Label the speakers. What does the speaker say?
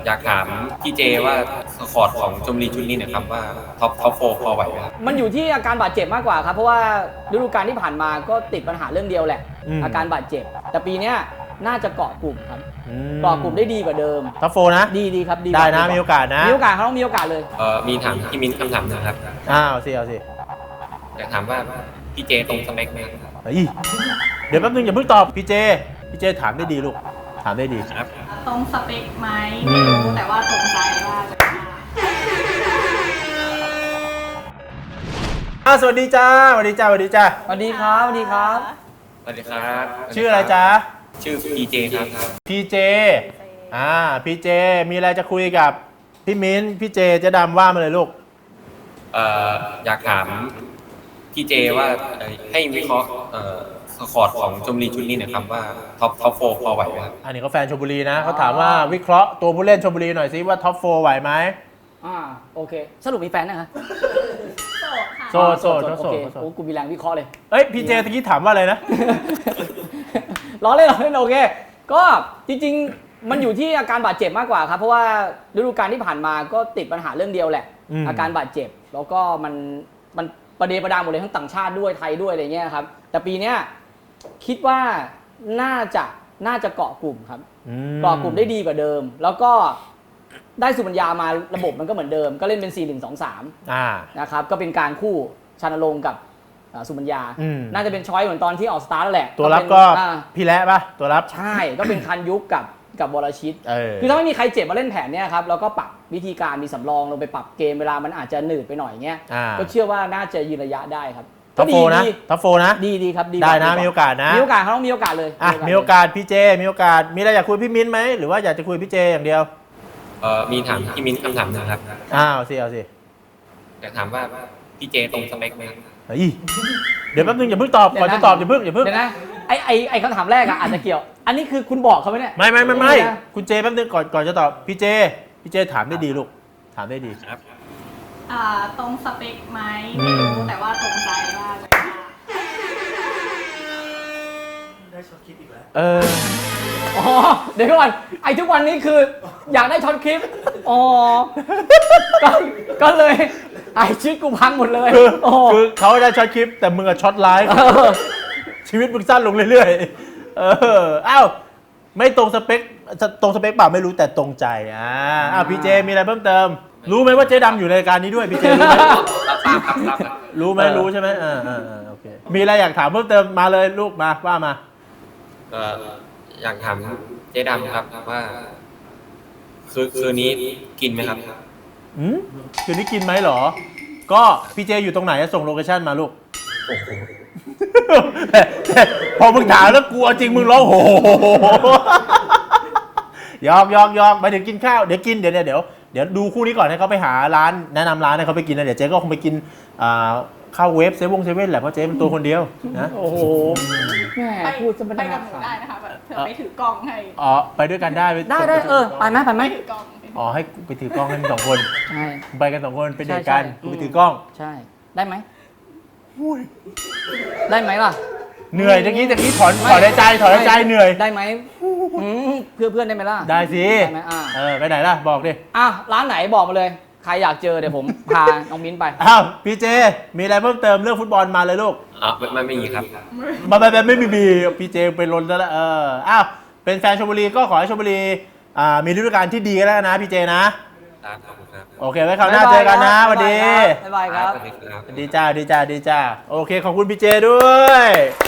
Speaker 1: อยากถามพี่เจว่าสควอตของชลบุรีชุดนี้นะครับว่าท็อปโฟพอไหวไหมครับ
Speaker 2: มันอยู่ที่อาการบาดเจ็บมากกว่าครับเพราะว่าฤดูกาลที่ผ่านมาก็ติดปัญหาเรื่องเดียวแหละอาการบาดเจ็บแต่ปีนี้น่าจะเกาะกลุ่มครับเกาะกลุ่มได้ดีกว่าเดิม
Speaker 3: ท็อปโฟนะ
Speaker 2: ดีครับ
Speaker 3: ได้นะมีโอกาสนะ
Speaker 2: มีโอกาสเขาต้องมีโอกาสเลย
Speaker 1: มีถามพี่มิ้นคำถามนะครับ
Speaker 3: เอาสิ
Speaker 1: อยากถามว่าพี่เจตรงสเปคไหมครับ
Speaker 3: เดี๋ยวแป๊บนึงอย่าเพิ่งตอบพี่เจถามได้ดีลูกถามได้ดี
Speaker 1: ครับ
Speaker 4: ตรงสเปคไหมไม่รู้แต่ว่าตรงใจว่าจะ
Speaker 3: สวัสดีจ้าสวัสดีครับ
Speaker 2: สวัสดีครับ
Speaker 3: ชื่ออะไรจ๊ะ
Speaker 1: ชื่อพีเจครับ
Speaker 3: พีเจพีเจมีอะไรจะคุยกับพี่มิ้นพี่เจจะดำว่ามาเลยลูก
Speaker 1: อยากถามพี่เจว่าให้วิเคราะห์สควอตของชลบุรีชุดนี้นะครับว่าท็อปโฟพอไหวไหมครับ
Speaker 3: อันนี้เขาแฟนชลบุรีนะเขาถามว่าวิเคราะห์ตัวผู้เล่นชลบุรีหน่อยสิว่าท็อปโฟไหวไหม
Speaker 2: โอเคสรุปมีแฟนนะคะ
Speaker 3: โสด
Speaker 2: โอเคกูมีแรงวิเคราะห์เลย
Speaker 3: พี่เจตะกี้ถามว่าอะไรนะ
Speaker 2: ล้อเล่นโอเคก็จริงๆมันอยู่ที่อาการบาดเจ็บมากกว่าครับเพราะว่าฤดูกาลที่ผ่านมาก็ติดปัญหาเรื่องเดียวแหละอาการบาดเจ็บแล้วก็มันประเดประดังหมดเลยทั้งต่างชาติด้วยไทยด้วยอะไรเงี้ยครับแต่ปีนี้คิดว่าน่าจะเกาะกลุ่มครับเกาะกลุ่มได้ดีกว่าเดิมแล้วก็ได้สุบัญญามาระบบมันก็เหมือนเดิมก็เล่นเป็น 4-1-2-3 นะครับก็เป็นการคู่ชานรงค์กับสุบัญญาน่าจะเป็นช้อยเหมือนตอนที่ออกสตาร์ทแล้วแหละ
Speaker 3: ตัวรับก็พี่แล้ป่ะตัวรับ
Speaker 2: ใช่ก็เป็นคันยุคกับวรชิตคือถ้าไม่มีใครเจ็บมาเล่นแผนเนี้ยครับแล้วก็ปรับวิธีการมีสำรองลงไปปรับเกมเวลามันอาจจะหนืดไปหน่อยเงี้ยก็เชื่อว่าน่าจะยืนระยะได้ครับ
Speaker 3: ท็อปโฟนะ
Speaker 2: ดีครับ
Speaker 3: ได้นะมีโอกาสนะ
Speaker 2: มีโอกาสเขาต้องมีโอกาสเลย
Speaker 3: มีโอกาสพี่เจมีโอกาสมีอะไรอยากคุยพี่มิ้นไหมหรือว่าอยากจะคุยพี่เจอย่างเดียว
Speaker 1: มีถามพี่มิ้นคำถามนะครับ
Speaker 3: เอาสิ
Speaker 1: อยากถามว่าพี่เจตรงสเปคไหม
Speaker 3: เดี๋ยวแป๊บนึงอย่าเพิ่งตอบก่อนจะตอบอย่าเพิ่ง
Speaker 2: เดี๋ยวนะไอ้คำถามแรกอาจจะเกี่ยวอันนี้คือคุณบอกเขาไหมเนี่ย
Speaker 3: ไม่คุณเจแป๊บนึงก่อนจะตอบพี่เจถามได้ดีลูกถามได้ดี
Speaker 1: ครับ
Speaker 4: ตรงสเปคไหมไม่รู้แต่ว่าตรงใจว่าจะ
Speaker 3: ได้ช็อตคลิปอีกแล้ว
Speaker 2: เดี๋ยวก่อนไอ้ทุกวันนี้คืออยากได้ช็อตคลิปก็เลยไอ้ชีวิตกูพังหมดเลย
Speaker 3: คือเขาได้ช็อตคลิปแต่มึงอะช็อตไลฟ์ชีวิตมึงสั้นลงเรื่อยๆไม่ตรงสเปคเปล่าไม่รู้แต่ตรงใจพี่เจมีอะไรเพิ่มเติมรู้ไหมว่าเจ๊ดำอยู่ในรายการนี้ด้วยพี่เจรู้ไหมรู้ใช่ไหมโอเคมีอะไรอยากถามเพิ่มเติมมาเลยลูกมาว่ามา
Speaker 1: อยากถามเจ๊ดำครับว่าคืนนี้กินไหมครับ
Speaker 3: คืนนี้กินไหมหรอก็พี่เจอยู่ตรงไหนส่งโลเคชั่นมาลูกพอมึงถามแล้วกลัวจริงมึงร้องโหยอกไปถึงกินข้าวเดี๋ยวกินเดี๋ยวดูคู่นี้ก่อนให้เขาไปหาร้านแนะนำร้านให้เขาไปกินนะเดี๋ยวเจ๊ก็คงไปกินข้าวเวฟเซเว่นแหละเพราะเจ๊เป็นตัวคนเดียวนะ
Speaker 2: โอ้โหแม่พูดจะ
Speaker 4: ไปกับหนูได้นะคะแบบเธอไปถือกล้องให้
Speaker 3: ไปด้วยกันได้
Speaker 2: ไปไหม
Speaker 4: ถือกล้อง
Speaker 3: ให้ไปถือกล้องให้2 คน
Speaker 2: ใช่
Speaker 3: ไปกัน2 คนเป็นเด็กกันไปถือกล้อง
Speaker 2: ใช่ได้ไหมได้ไหมล่ะ
Speaker 3: เหนื่อยตะกี้ถอนใจเหนื่อย
Speaker 2: ได้ไหมเพื่อนได้ไหมล่ะ
Speaker 3: ได้สิ
Speaker 2: ได้ไหม
Speaker 3: ไปไหนล่ะบอกดิ
Speaker 2: ร้านไหนบอกมาเลยใครอยากเจอเดี๋ยวผมพาน้องมิ้นไป
Speaker 3: พี่เจมีอะไรเพิ่มเติมเรื่องฟุตบอลมาเลยลูก
Speaker 1: ไม่มีครับ
Speaker 3: ไม่มีพี่เจไปลนแล้วเป็นแฟนชลบุรีก็ขอให้ชลบุรีมีฤดูกาลที่ดีแล้วนะพี่เจนะโอเคไว้คราวหน้าเจอกันนะสวัสดี
Speaker 2: บ๊ายบายครับ
Speaker 3: ดีจ้าโอเคขอบคุณพี่เจด้วย